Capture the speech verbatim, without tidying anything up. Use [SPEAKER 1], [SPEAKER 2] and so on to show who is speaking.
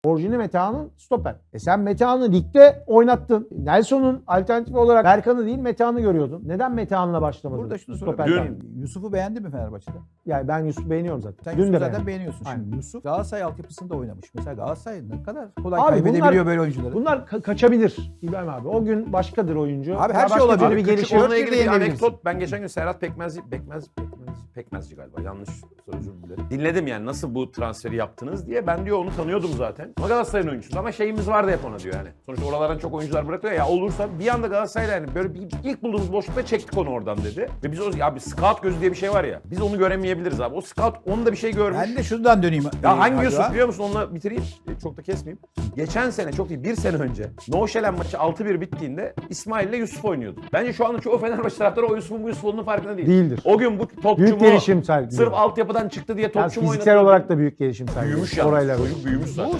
[SPEAKER 1] Orijini Metehan'ın stoper. E sen Metehan'ı ligde oynattın. Nelson'un alternatifi olarak Berkan'ı değil Metehan'ı görüyordun. Neden Metehan'la başlamadın?
[SPEAKER 2] Burada şunu
[SPEAKER 1] Stoperden.
[SPEAKER 2] sorayım. Yusuf'u beğendi mi Fenerbahçe'de?
[SPEAKER 1] Yani ben Yusuf'u beğeniyorum zaten.
[SPEAKER 2] Sen
[SPEAKER 1] Dün
[SPEAKER 2] Yusuf'u
[SPEAKER 1] de
[SPEAKER 2] zaten
[SPEAKER 1] beğendim.
[SPEAKER 2] beğeniyorsun.
[SPEAKER 1] Aynen.
[SPEAKER 2] Şimdi Yusuf Galatasaray altyapısında oynamış. Mesela Galatasaray ne kadar kolay
[SPEAKER 1] Abi
[SPEAKER 2] kaybedebiliyor
[SPEAKER 1] bunlar-
[SPEAKER 2] böyle oyuncuları.
[SPEAKER 1] Bunlar ka- kaçabilir İbrahim abi. O gün başkadır oyuncu.
[SPEAKER 2] Abi her
[SPEAKER 1] Ya
[SPEAKER 2] şey
[SPEAKER 1] başka
[SPEAKER 2] olabilir.
[SPEAKER 1] türlü bir
[SPEAKER 2] Küçük
[SPEAKER 1] gelişim.
[SPEAKER 2] Dört
[SPEAKER 3] Onunla ilgili
[SPEAKER 2] bir
[SPEAKER 3] bir
[SPEAKER 2] yenebilirsin.
[SPEAKER 3] anekdot. Ben geçen gün Serhat Pekmezci, Pekmez, Pekmez, Pekmezci galiba yanlış özür dilerim. Dinledim yani nasıl bu transferi yaptınız diye. Ben diyor onu tanıyordum zaten. Ama Galatasaray'ın oyuncusu ama şeyimiz vardı hep ona diyor yani. Sonuçta oralardan çok oyuncular bırakıyor ya olursa bir anda Galatasaray'la yani böyle bir ilk bulduğumuz boşlukta çektik onu oradan dedi. Ve biz o abi scout gözü diye bir şey var ya. Biz onu göremeyebiliriz abi. O scout onu da bir şey görmüş.
[SPEAKER 2] Ben de şuradan döneyim.
[SPEAKER 3] Ya
[SPEAKER 2] Ee,
[SPEAKER 3] hangi
[SPEAKER 2] Hacı
[SPEAKER 3] Yusuf
[SPEAKER 2] abi.
[SPEAKER 3] biliyor musun? Onunla bitireyim. E, Çok da kesmeyeyim. Geçen sene çok değil bir sene önce Noşelen maçı altı bir bittiğinde İsmail ile Yusuf oynuyordu. Bence şu anda çoğu Fenerbahçe taraftarı o Yusuf'un bu Yusuf olduğunun farkında değil.
[SPEAKER 1] Değildir.
[SPEAKER 3] O gün bu topçu
[SPEAKER 1] Büyük
[SPEAKER 3] mu?
[SPEAKER 1] gelişim sergiliyor.
[SPEAKER 3] Sırf altyapıdan çıktı diye
[SPEAKER 1] Yani
[SPEAKER 3] topçu mu oynadı?
[SPEAKER 1] fiziksel olarak da büyük gelişim sergiliyor.
[SPEAKER 3] Büyümüş ya.
[SPEAKER 1] Orayla
[SPEAKER 3] Çocuk büyümüş zaten.